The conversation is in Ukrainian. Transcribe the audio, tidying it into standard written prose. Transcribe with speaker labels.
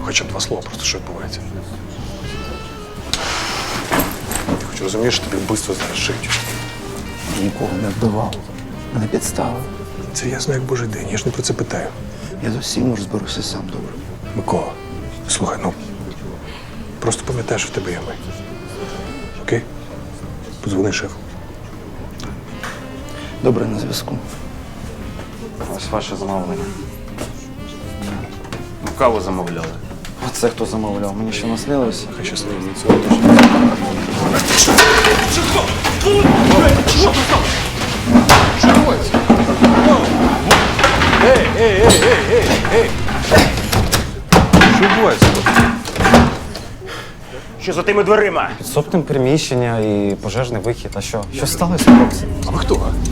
Speaker 1: хоча б два слова, просто що відбувається. Ти хоч розумієш, що тобі вбивство зараз шиють.
Speaker 2: Нікого не вбивав. Мене підставили.
Speaker 1: Це ясно, як божий день, я ж не про це питаю.
Speaker 2: Я з усім розберуся сам добре.
Speaker 1: Микола, слухай, ну, просто пам'ятай, що в тебе є ми. Окей? Подзвони шефу.
Speaker 2: Добре, на зв'язку.
Speaker 3: Ось ваше замовлення. Ну, каву замовляли. А це хто замовляв? Мені що наснилося?
Speaker 1: Хай щасливо.
Speaker 4: Що відбувається?
Speaker 5: Що за тими дверима?
Speaker 3: Підсобне приміщення і пожежний вихід. А що? Що сталося, хлопці?
Speaker 1: А ви хто?